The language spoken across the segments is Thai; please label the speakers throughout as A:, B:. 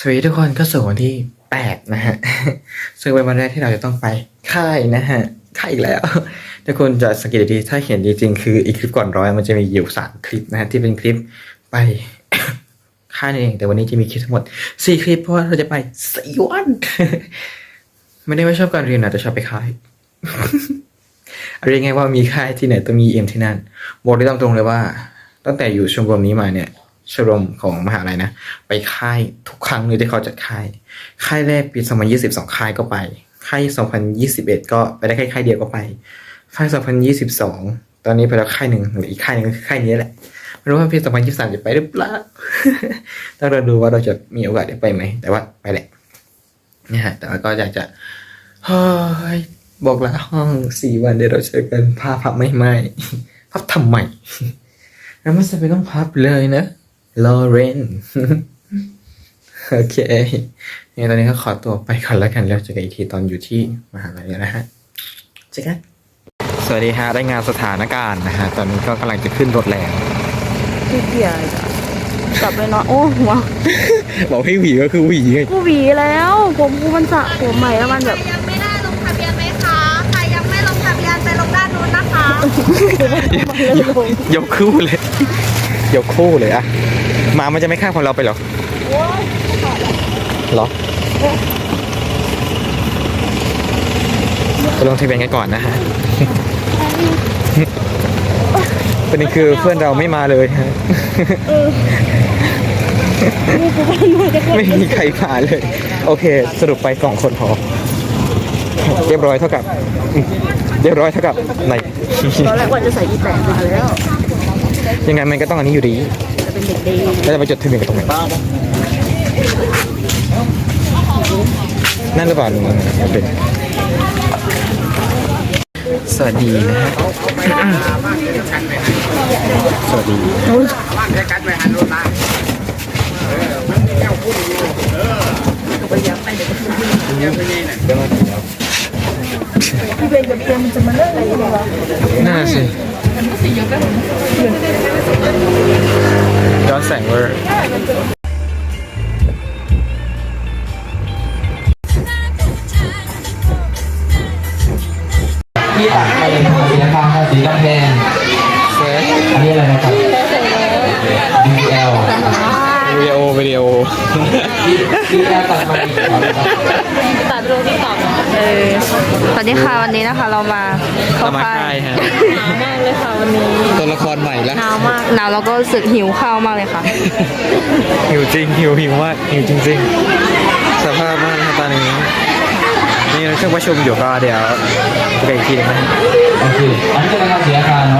A: วัสดีทุกคนก็สู่วันที่8นะฮะซึ่งเป็นวันแรกที่เราจะต้องไปค่ายนะฮะค่ายอีกแล้วทุกคนจะสังเกตดีถ้าเห็นจริงๆคืออีกคลิปก่อนร้อยมันจะมีอยู่3คลิปนะฮะที่เป็นคลิปไป ค่ายนั่นเองแต่วันนี้จะมีคลิปทั้งหมด4คลิปเพราะว่าเราจะไป4วัน ไม่ได้ไม่ชอบการเรียนนะแต่ชอบไปค่าย เรียกง่ายว่ามีค่ายที่ไหนต้องมีเอ็มที่นั่นบอกได้ตามตรงเลยว่าตั้งแต่อยู่ชมรมนี้มาเนี่ยชมรมของมหาลัยนะไปค่ายทุกครั้งเลยที่เขาจัดค่ายแรกปี2022ค่ายก็ไปค่าย2021ก็ไปได้แค่ค่ายเดียวก็ไปค่าย2022ตอนนี้ไปแล้วค่ายหนึ่งหรืออีกค่ายหนึ่งก็คือค่ายนี้แหละไม่รู้ว่าปี2023จะไปหรือเปล่า ต้องเราดูว่าเราจะมีโอกาสได้ไปไหมแต่ว่าไปแหละนี่ฮะแต่ว่าก็อยากจะเฮ้ยบอกลาห้อง4 วันเดี๋ยวเราเจอกันพับไม่พับทำไมแล้วไม่จำเป็นต้องพับเลยนะลอเรน โอเคงั้นตอนนี้ก็ขอตัวไปก่อนแล้วกันแล้วเจอกันอีกทีตอนอยู่ที่มหาลัยนะฮะเจอกันสวัสดีฮะได้งานสถานการณ์นะฮะตอนนี้ก็กำลังจะขึ้นรถแล้ว
B: ขี้เกียจอะกลับเลยเนาะโอ้หัว
A: บอกให้หวีก็คือหวีไง
B: กูหวีแล้วกูมันสระผมใหม่แล้วมันแบบ
C: ยังไม่ได้ลงทะเบียนไหมคะ ใครยังไม่ลงทะเบียนไปลงด้านนู้นนะคะ
A: ยกคู่เลยยกคู่เลยอะหมามันจะไม่ข้ามของเราไปหรอหรอไปลงทะเบียนกันก่อนนะฮะประเด็นคือเพื่อนเราไม่มาเลยฮะไม่มีใครมาเลย โอเค สรุปไป2 คนพอเรียบร้อยเท่ากับไหน
B: ตอนแรกว่าจะใส่อีแตกมาแล้ว
A: ยังไงมันก็ต้องอันนี้อยู่ดี
B: จะเป็นเด็กดี
A: แล้วจะไปจดทะเบียนกันตรงไหนนั่นหรือเปล่าลุงเป็นสวัสดีนะฮะสวัสดี
B: พี่เบนกับเพียมมันจะมาเลิกอะไรกันวะ
A: น่าสิย้อนแสงเวอร์
D: ที่ตัดไปเป็นสีน้ำตาลสีดำแดง
A: เฟิร์ส
D: อันนี้อะไรนะครับ DL
A: วิดีโอ
D: DL ตัดมาอีกครับ
B: ตัดรูปที่ตอบสวัสดีค่ะวันนี้นะคะเรามาเข้า
A: มา
B: ค่า
A: ค่าย
B: ย
A: ฮะ
B: หนาวมากเลยค่ะวันนี้
A: ตัวละครใหม่แล้ว
B: หนาวมากหนาวแล้วก็รู้สึกหิวข้าวมากเลยค่ะ
A: หิวจริงหิวมากหิวจริงๆสภาพมากครับตอนนี้นี่เครื่องประชุมอยู่ก็เดี๋ยวไปอีกทีนึงนะ
D: โอเคอันนี้จะเป็นการเสียอาการเนาะ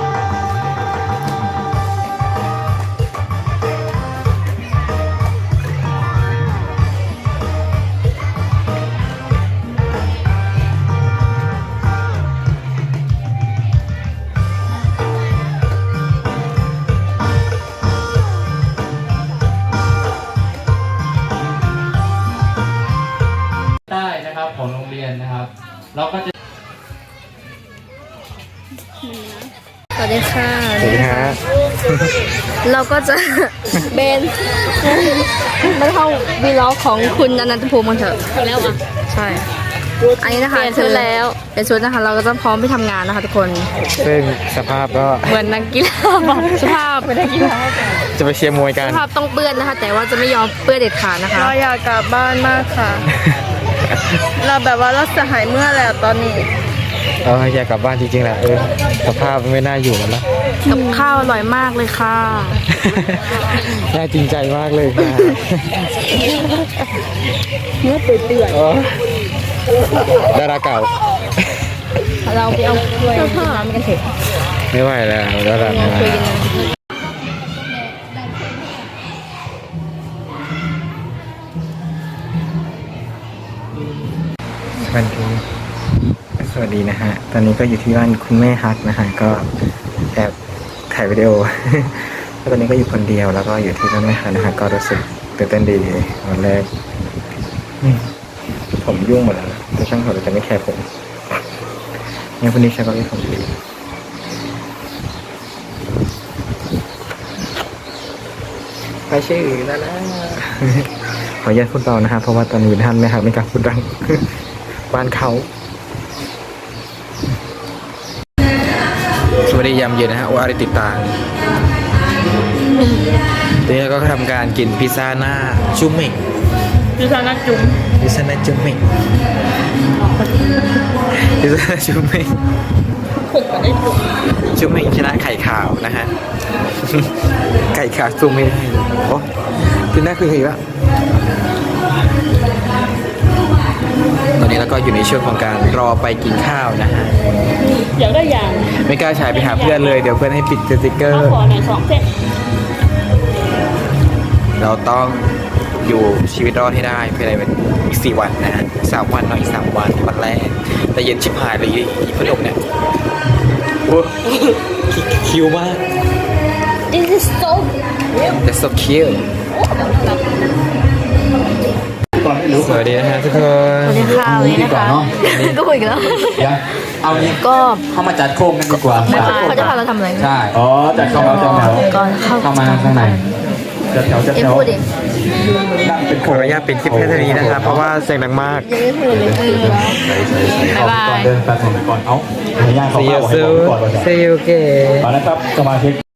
D: ได้นะครับของโรงเรียนนะครับ เราก็จะ
B: สวัสดีค่ะ
A: สวัสดีฮะ
B: เราก็จะ เบนมาเข้าวีล็อกของคุณอนันตภูมิกันเถอะแล้วอ่ะใช่อันนี้นะคะชุดแล้วเป็นชุดนะคะเราก็จะพร้อมไปทำงานนะคะทุกคน
A: ซึ่งสภาพก็
B: เหมือนนักกีฬาสภาพเป็นนักกีฬา
A: จะไปเชียร์มวยกัน
B: สภาพต้องเปื้อนนะคะ แต่ว่าจะไม่ยอมเปื้อนเด็ดขาดนะคะ
E: เราอยากกลับบ้านมากค่ะ เราแบบว่าเราจะหายเมื่อแล้วตอนนี้
A: อยากกลับบ้านจริงๆแหละสภาพไม่น่าอยู่แล้วนะ
B: กับข้าวอร่อยมากเลยค่ะ
A: น่าจริงใจมากเลยค่ะ
B: เนื้อเปื่อย
A: ดาราเก่า
B: ๆเราไปเอาถ้วยน้ำกันเถอะ
A: ไม่ไหวแล้วดาราไม่ไหว
B: คุยกันนะ
A: สวัสดีนะฮะ ตอนนี้ก็อยู่ที่บ้านคุณแม่ฮักนะฮะ ก็แอบถ่ายวิดีโอ แล้วตอนนี้ก็อยู่คนเดียวแล้วก็อยู่ที่บ้านแม่ฮักนะฮะ ก็รู้สึกตื่นเต้นดีวันแรกผมยุ่งหมดแล้วนะแต่ช่างเขาจะไม่แคร์ผมงั้นคนนี้ใช้ก็ไม่ผมดีไปชื่อแล้วนะขออนุญาตพูดเบานะครับเพราะว่าตอนนี้ท่านนะครับไม่กล้าพูดดัง บ้านเขาสวัสดียามเย็นนะฮะว่าได้ติดตามทีนี้เราก็ทำการกินพิซซ่าหน้าจุ่มเม่ง
E: พิซซ่านักจุ๋ม
A: พิซซ่าหน้าจุ่มเม่งพิซซ่าหน้าจุ่มเม่ง
E: ผมก็ได้จุ๋ม
A: จุ่มเม่งชนะไข่ขาวนะฮะ ไข่ขาวจุ่มไม่ได้โอ้คือหน้าคือใครวะตอนนี้เราก็อยู่ในช่วงของการรอไปกินข้าวนะฮะ
E: อยากได้อย่าง
A: ไม่กล้าฉายไปหาเพื่อนเลยเดี๋ยวเพื่อนให้ปิดสติ๊กเกอร์
E: ขอหน่อย2 เส้น
A: เราต้องอยู่ชีวิตรอดให้ได้ภายในอีก4 วันนะฮะ3 วันหน่อย3 วันวันแรก แต่เย็นชิบหายเลยอีพัดลมเนี่ยโอ้คิวมาก
B: This is so
A: That's so cute สวัสดีนะฮะทุกคน
B: สวัสดีค่ะวันนี้นะคะก็คุยกันแล้ว
D: เดี๋ยวเอานี้
B: ก็
D: เข้ามาจัดโครงกันดีกว่า
B: เขาจะพาเราทำอะไร
D: ใช่อ๋อจัดเข้ามาจัดแถว
B: ก่อนเข้า
D: เข้ามาข้างในจัดแถวจัด
B: เอ็
D: แถ
B: ม
D: ว
B: พูดดิ
D: นั่งเป็น
A: ขออนุญาตเป็นคลิปแค่นี้นะครับเพราะว่าเสียงดังมาก
B: ยังไม่พูดเลยบ๊ายบาย
D: ก่อนเดินแป๊บนึงก่อนเอ้าให้ย่างเขา
A: See
D: เข้า
A: you
D: ให้บอก
A: soon
D: ก่อนว่าจะ
A: See you again
D: มาแล้วครับสมาชิก